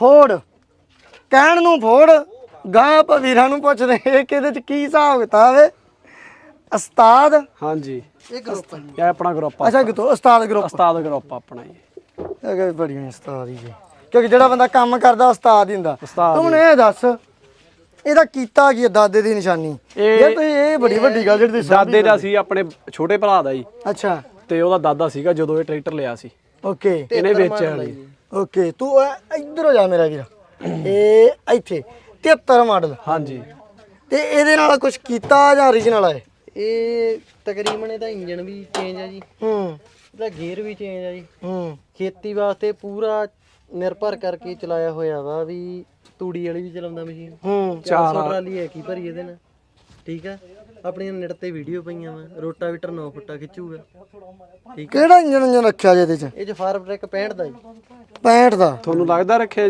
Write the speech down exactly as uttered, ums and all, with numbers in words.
ਫੋੜ ਕਹਿਣ ਨੂੰ ਫੋੜ ਗਾਂ ਆਪਾਂ ਵੀਰਾਂ ਨੂੰ ਪੁੱਛਦੇ ਕਿ ਇਹਦੇ ਚ ਕੀ ਹਿਸਾਬ ਕਿਤਾਬ ਹੈ ਉਸਤਾਦ ਹਾਂਜੀ ਇਹ ਗਰੁੱਪ ਇਹ ਆਪਣਾ ਗਰੁੱਪ ਆ ਅੱਛਾ ਕਿਤੋਂ ਉਸਤਾਦ ਗਰੁੱਪ ਉਸਤਾਦ ਗਰੁੱਪ ਆਪਣਾ ਜੀ ਇਹ ਕਿ ਬੜੀਆਂ ਉਸਤਾਦ ਹੀ ਜੀ ਕਿਉਂਕਿ ਜਿਹੜਾ ਬੰਦਾ ਕੰਮ ਕਰਦਾ ਉਸਤਾਦ ਹੀ ਹੁੰਦਾ ਉਸਤਾਦ ਤੂੰ ਹੁਣ ਇਹ ਦੱਸ ਇਹਦਾ ਕੀਤਾ ਕੀ ਹੈ ਦਾਦੇ ਦੀ ਨਿਸ਼ਾਨੀ ਇਹ ਤੁਸੀਂ ਇਹ ਬੜੀ ਵੱਡੀ ਗੱਲ ਜਿਹੜੀ ਤੁਸੀਂ ਦਾਦੇ ਦਾ ਸੀ ਆਪਣੇ ਛੋਟੇ ਭਰਾ ਦਾ ਜੀ ਅੱਛਾ ਤੇ ਉਹਦਾ ਦਾਦਾ ਸੀਗਾ ਜਦੋਂ ਇਹ ਟਰੈਕਟਰ ਲਿਆ ਸੀ ਓਕੇ ਇਹਨੇ ਵੇਚਿਆ ਨਹੀਂ ਓਕੇ ਤੂੰ ਇਹ ਇੱਧਰ ਹੋ ਜਾ ਮੇਰਾ ਵੀਰ ਇਹ ਇੱਥੇ ਤੇਹੱਤਰ ਮਾਡਲ ਹਾਂਜੀ ਤੇ ਇਹਦੇ ਨਾਲ ਕੁਝ ਕੀਤਾ ਜਾਂ origignal ਹੈ ਇਹ ਤਕਰੀਬਨ ਇਹਦਾ ਇੰਜਨ ਵੀ ਚੇਂਜ ਆ ਜੀ ਹੂੰ ਇਹਦਾ ਗੇਅਰ ਵੀ ਚੇਂਜ ਆ ਜੀ ਹੂੰ ਖੇਤੀ ਵਾਸਤੇ ਪੂਰਾ ਨਿਰਭਰ ਕਰਕੇ ਚਲਾਇਆ ਹੋਇਆ ਵਾ ਵੀ ਤੂੜੀ ਵਾਲੀ ਵੀ ਚਲਾਉਂਦਾ ਮਸ਼ੀਨ ਹੂੰ ਚਾਰ ਸੌ ਟਰਾਲੀ ਹੈ ਕੀ ਭਰੀ ਇਹਦੇ ਨਾਲ ਠੀਕ ਆ ਆਪਣੀਆਂ ਨੈਟ ਤੇ ਵੀਡੀਓ ਪਈਆਂ ਵਾ ਰੋਟਾਵੀਟਰ ਨੌ ਫੁੱਟਾ ਖਿੱਚੂਗਾ ਠੀਕ ਕਿਹੜਾ ਇੰਜਨ ਇੰਜਨ ਰੱਖਿਆ ਜੇ ਇਹਦੇ ਚ ਇਹ ਚ ਫਾਰਮ ਟਰੈਕ ਪੈਂਹਠ ਦਾ ਜੀ ਪੈਂਹਠ ਦਾ ਤੁਹਾਨੂੰ ਲੱਗਦਾ ਰੱਖਿਆ